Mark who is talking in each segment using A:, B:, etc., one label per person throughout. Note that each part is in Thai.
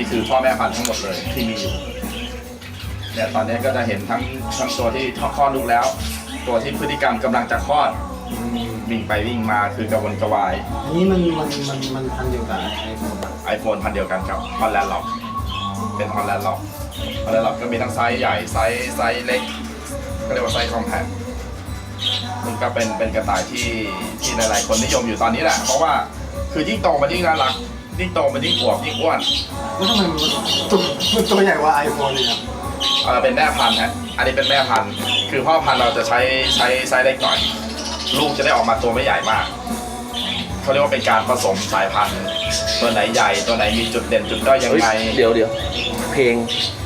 A: นี่คือพ่อแม่พันธุ์ทั้งหมดเลยที่มีอยู่เนี่ยตอนนี้ก็จะเห็นทั้งตัวที่คลอดลูกแล้ว ตัวที่พฤติกรรมกำลังจะคลอดวิ่งไปวิ่งมาคือกระวนกระวาย
B: อันนี้มันพันเดียวกัน
A: ไอโฟนพันเดียวกันกับฮอลแลนด์ล็อกเป็นฮอลแลนด์ล็อกก็มีทั้งไซส์ใหญ่ไซส์เล็กก็เรียกว่าไซส์คอมแพคมันก็เป็นกระต่ายที่หลายๆคนนิยมอยู่ตอนนี้แหละเพราะว่าคือยิ่งโตมันยิ่งน่ารักยิ่งโตมันยิ่งอวบยิ่งอ้วน
B: แล้วทำไมมันตัวใหญ่กว่าไอโฟนเลยครับ
A: เป็นแม่พันธุ์ฮะอันนี้เป็นแม่พันธุ์คือพ่อพันธุ์เราจะใช้ไซส์เล็กหน่อยลูกจะได้ออกมาตัวไม่ใหญ่มากเขาเรียกว่าเป็นการผสมสายพันธุ์ตัวไหนใหญ่ตัวไหนมีจุดเด่นจุดด้อยยังไง
C: เดี๋ยวเพลง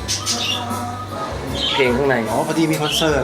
C: ข้างใน
B: อ๋อพอดีมีคอนเสิร์ต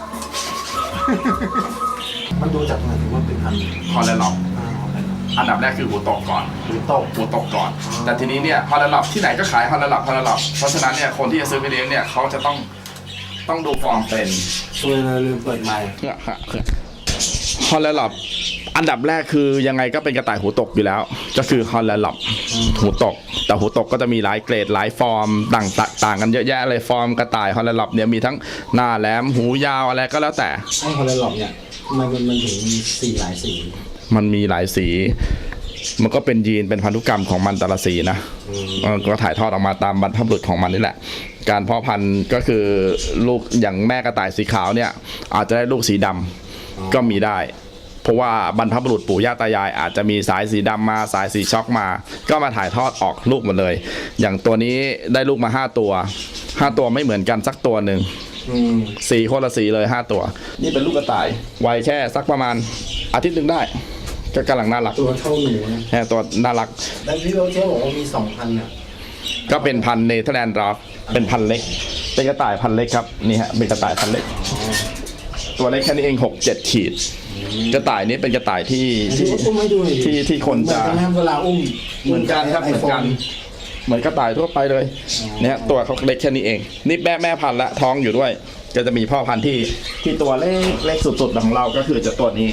B: มันดูจากไหนว่าเป็นพัน
A: ฮอลแลนด์ล็อกอันดับแรกคือหูตกก่อนหูตกก่อนแต่ทีนี้เนี่ยฮอลแลนด์ล็อกที่ไหนก็ขายฮอลแลนด์ล็อกเพราะฉะนั้นเนี่ยคนที่จะซื้อไปเลี้ยงเนี่ยเขาจะต้องดูฟอร์มเป็น
B: ช่วยลืมเปิดไมค์
A: ฮอลแลนด์ล็อกอันดับแรกคือยังไงก็เป็นกระต่ายหูตกอยู่แล้วก็คือฮอลแลนด์ล็อกหูตกแต่หูตกก็จะมีหลายเกรดหลายฟอร์มต่างกันเยอะแยะเลยฟอร์มกระต่ายฮอลแลนด์ล็อกเนี่ยมีทั้งหน้าแหลมหูยาวอะไรก็แล้วแต่
B: ไอ้ฮอลแลนด์ล็อกเนี่ยมันถึงมีสีหลายสี
A: มันมีหลายสีมันก็เป็นยีนเป็นพันธุกรรมของมันแต่ละสีนะก็ถ่ายทอดออกมาตามบรรพบุรุษของมันนี่แหละการเพาะพันธุ์ก็คือลูกอย่างแม่กระต่ายสีขาวเนี่ยอาจจะได้ลูกสีดำก็มีได้เพราะว่าบรรพบุรุษปู่ย่าตายายอาจจะมีสายสีดำมาสายสีช็อกมาก็มาถ่ายทอดออกลูกหมดเลยอย่างตัวนี้ได้ลูกมา5 ตัวไม่เหมือนกันสักตัวหนึ่งสีคนละสีเลย5 ตัวนี่เป็นลูกกระต่ายวัยแค่สักประมาณอาทิตย์หนึ่งได้ก็กำลังน่ารัก
B: ตัวเท่าหนู
A: นะตัวน่ารัก
B: แล้วพี่โรเจอร์บอกว่ามี2,000เนี่ย
A: ก็เป็นพันเนเธอร์แลนด์ร็อกเป็นพันเล็กเป็นกระต่ายพันเล็กครับนี่ฮะเป็นกระต่ายพันเล็กตัวเล็กแค่นี้เอง6-7 ขีดกระต่ายนี้เป็นกระต่ายที่คนจะ
B: เวลาอุ้ม
A: เหมือนกันครับเหมือนกระต่ายทั่วไปเลยเนี่ยตัวเขาเล็กแค่นี้เองนี่แม่พันธุ์ละท้องอยู่ด้วยก็จะมีพ่อพันธุ์ที่ตัวเล็กสุดๆของเราก็คือจะตัวนี้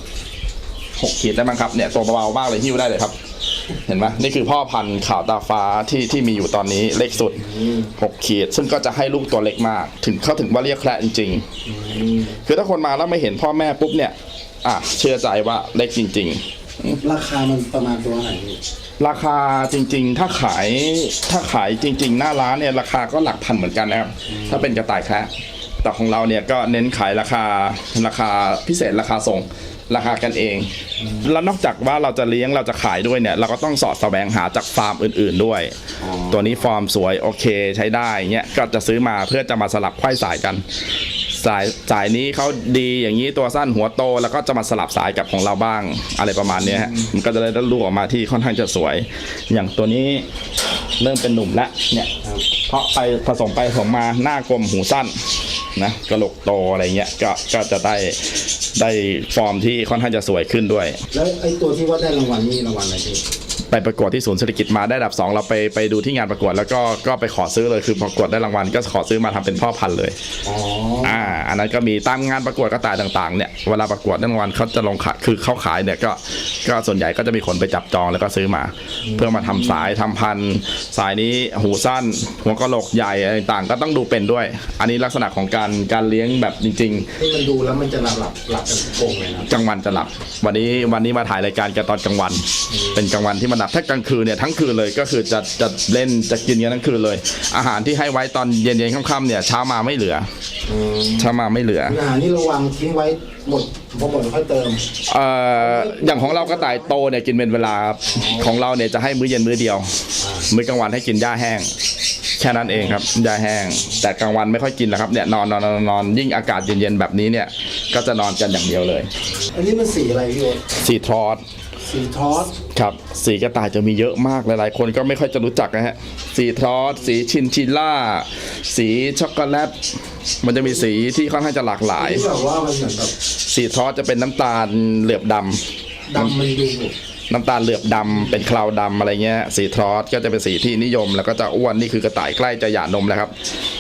A: 6 ขีดได้มั้งครับเนี่ยตัวเบาๆมากเลยหิ้วได้เลยครับเห็นไหมนี่คือพ่อพันธุ์ขาวตาฟ้าที่มีอยู่ตอนนี้เล็กสุด6 ขีดซึ่งก็จะให้ลูกตัวเล็กมากถึงว่าเรียกแคระจริงๆคือถ้าคนมาแล้วไม่เห็นพ่อแม่ปุ๊บเนี่ยเชื่อใจว่าเล็กจริง
B: ๆราคามันประมาณตัวไหน
A: ราคาจริงๆถ้าขายจริงๆหน้าร้านเนี่ยราคาก็หลักพันเหมือนกันนะครับถ้าเป็นกระต่ายแคระแต่ของเราเนี่ยก็เน้นขายราคาพิเศษราคาส่งราคากันเองแล้วนอกจากว่าเราจะเลี้ยงเราจะขายด้วยเนี่ยเราก็ต้องสอดแสวงหาจากฟาร์มอื่นๆด้วยตัวนี้ฟอร์มสวยโอเคใช้ได้เงี้ยก็จะซื้อมาเพื่อจะมาสลับไขว้สายกันสายนี้เขาดีอย่างนี้ตัวสั้นหัวโตแล้วก็จะมาสลับสายกับของเราบ้างอะไรประมาณนี้ฮะมันก็จะได้ลูกออกมาที่ค่อนข้างจะสวยอย่างตัวนี้เริ่มเป็นหนุ่มแล้วเนี่ยเพราะไปผสมมาหน้ากลมหูสั้นนะกระโหลกโตอะไรเงี้ยก็จะได้ฟอร์มที่ค่อนข้างจะสวยขึ้นด้วย
B: แล้วไอ้ตัวที่ว่าได้รางวัลนี่รางวัลอะไรพี่
A: ไปประกวดที่ศูนย์เศรษฐกิจมาได้อันดับ2เราไปดูที่งานประกวดแล้วก็ไปขอซื้อเลยคือประกวดได้รางวัลก็ขอซื้อมาทำเป็นพ่อพันธุ์เลยอันนั้นก็มีตามงานประกวดกระต่ายต่างๆเนี่ยเวลาประกวดได้รางวัลเขาจะลงขายคือเขาขายเนี่ยก็ส่วนใหญ่ก็จะมีคนไปจับจองแล้วก็ซื้อมาเพื่อมาทำสายทำพันธุ์สายนี้หูสั้นหัวกะโหลกใหญ่อะไรต่างก็ต้องดูเป็นด้วยอันนี้ลักษณะของการเลี้ยงแบบจริง
B: ๆที่มันดูแล้วมันจะหลับกันทุกโกงเลยนะ
A: กลางวันจะหลับวันนี้มาถ่ายรายการกันตอนกลางวันเป็นกลางวันที่มันหลับถ้ากลางคืนเนี่ยทั้งคืนเลยก็คือจะเล่นจะกินกันทั้งคืนเลยอาหารที่ให้ไว้ตอนเย็นค่ำๆเนี่ยเช้ามาไม่เหลือ
B: อาหารนี่ระวังทิ้งไว้หมดพอหมดค่อยเติม
A: อย่างของเรากระต่ายโตเนี่ยกินเป็นเวลาของเราเนี่ยจะให้มื้อเย็นมื้อเดียวมื้อกลางวันให้กินหญ้าแห้งแค่นั้นเองครับหญ้าแห้งแต่กลางวันไม่ค่อยกินแล้วครับเนี่ยนอนยิ่งอากาศเย็นๆแบบนี้เนี่ยก็จะนอนกันอย่างเดียวเลย
B: อันนี้มันสีอะไรพี่โอ๊ต
A: สีทอสครับสีกระต่ายจะมีเยอะมากหลายๆคนก็ไม่ค่อยจะรู้จักนะฮะสีทอสสีชินชิล่าสีช็อกโกแลตมันจะมีสีที่ค่อนข้างจะหลากหลาย
B: แบบว่ามันเหมือนแบบ
A: สีทอสจะเป็นน้ำตาลเหลือบดำ
B: มันดู
A: น้ำตาลเหลือบดำเป็นคลาวดำอะไรเงี้ยสีทอสก็จะเป็นสีที่นิยมแล้วก็จะอ้วนนี่คือกระต่ายใกล้จะหย่านมแล้วครับ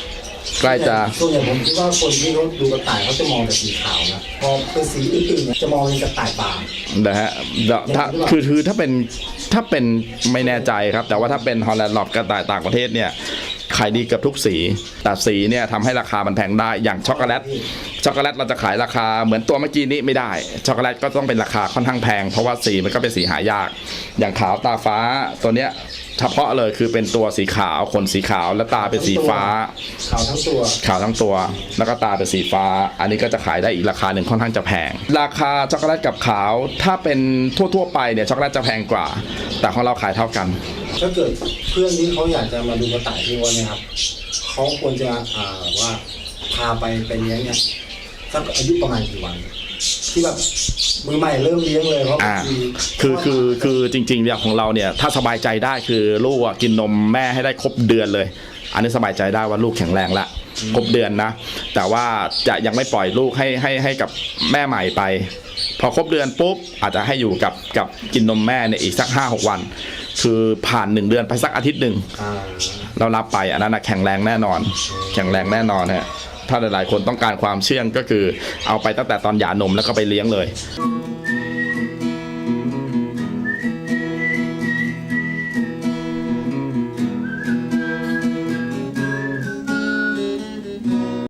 A: ใกล้จะ
B: ส่วนใหญ่ผมคิดว่าคนที่เขาดูกระต่ายเขาจะมองแต่สีขาวนะพอเป็นสีอื่นๆเนี่ยจะมองเป็นกระต่ายบาง
A: นะฮะถ้าคือถ้าเป็นไม่แน่ใจครับ แต่ว่าถ้าเป็นฮอลแลนด์ลอบกระต่ายต่างประเทศเนี่ยขายดีเกือบทุกสีแต่สีเนี่ยทำให้ราคามันแพงได้อย่างช็อกโกแลตเราจะขายราคาเหมือนตัวเมื่อกี้นี้ไม่ได้ช็อกโกแลตก็ต้องเป็นราคาค่อนข้างแพงเพราะว่าสีมันก็เป็นสีหายากอย่างขาวตาฟ้าตัวเนี้ยเฉพาะเลยคือเป็นตัวสีขาวขนสีขาวและตาเป็นสีฟ้า
B: ขาวทั้งตัว
A: ขาวทั้งตัวแล้วก็ตาเป็นสีฟ้า อันนี้ก็จะขายได้อีกราคาหนึ่งค่อนข้างจะแพงราคาช็อกโกแลตกับขาวถ้าเป็นทั่วๆไปเนี่ยช็อกโกแลตจะแพงกว่า แต่ของเราขายเท่ากัน
B: ถ้าเกิดเพื่อนที่เขาอยากจะมาดูกระต่ายที่วัดเนี่ยครับเขาควรจะว่าพาไปเลี้ยงเนี่ยสักอายุประมาณกี่วัน ที่แบบมือใหม่เริ่มเลี้ยงเลยเพราะบางที
A: คือจริงๆเนี่ยของเราเนี่ยถ้าสบายใจได้คือลูกกินนมแม่ให้ได้ครบเดือนเลย อันนี้สบายใจได้ว่าลูกแข็งแรงละครบเดือนนะแต่ว่าจะยังไม่ปล่อยลูกให้กับแม่ใหม่ไป พอครบเดือนปุ๊บอาจจะให้อยู่กับกินนมแม่เนี่ยอีกสัก 5-6 วัน คือผ่าน1 เดือนไปสักอาทิตย์หนึ่ง เรารับไปอันนั้นนะแข็งแรงแน่นอนแข็งแรงแน่นอนฮะถ้าหลายๆคนต้องการความเชื่องก็คือเอาไปตั้งแต่ตอนหย่านมแล้วก็ไปเลี้ยงเลย
B: ค